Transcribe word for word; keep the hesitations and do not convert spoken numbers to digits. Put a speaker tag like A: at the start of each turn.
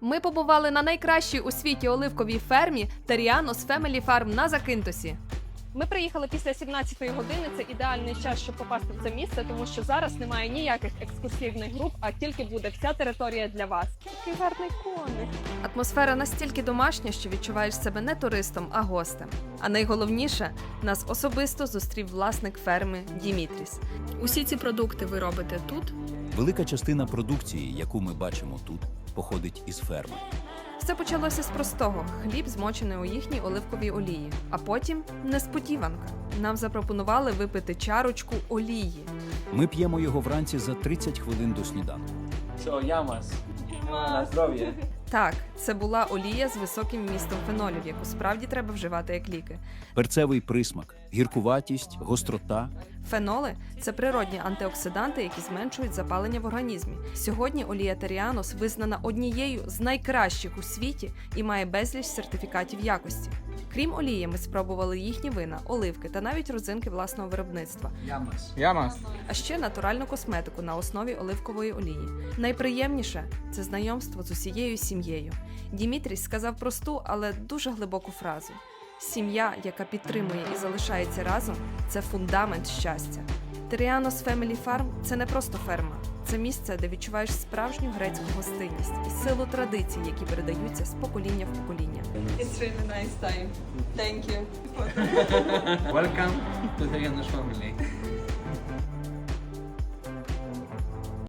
A: Ми побували на найкращій у світі оливковій фермі Terianos Family Farm на Закинтосі. Ми приїхали після сімнадцятої години, це ідеальний час, щоб попасти в це місце, тому що зараз немає ніяких екскурсивних груп, а тільки буде вся територія для вас. Який гарний коник. Атмосфера настільки домашня, що відчуваєш себе не туристом, а гостем. А найголовніше, нас особисто зустрів власник ферми Дімітріс.
B: Усі ці продукти ви робите тут?
C: Велика частина продукції, яку ми бачимо тут, походить із ферми.
A: Все почалося з простого – хліб, змочений у їхній оливковій олії. А потім – несподіванка. Нам запропонували випити чарочку олії.
C: Ми п'ємо його вранці за тридцять хвилин до сніданку.
D: Що, ямас? На здоров'я.
A: Так, це була олія з високим вмістом фенолів, яку справді треба вживати як ліки.
C: Перцевий присмак, гіркуватість, гострота.
A: Феноли – це природні антиоксиданти, які зменшують запалення в організмі. Сьогодні олія Terianos визнана однією з найкращих у світі і має безліч сертифікатів якості. Крім олії, ми спробували їхні вина, оливки та навіть родзинки власного виробництва.
D: Ямас. Ямас.
A: А ще натуральну косметику на основі оливкової олії. Найприємніше – це знайомство з усією сім'єю. Дімітріс сказав просту, але дуже глибоку фразу. Сім'я, яка підтримує і залишається разом – це фундамент щастя. Terianos Family Farm – це не просто ферма. Це місце, де відчуваєш справжню грецьку гостинність і силу традицій, які передаються з покоління в покоління.
E: It's really nice time. Thank you.
D: Welcome to Terianos family.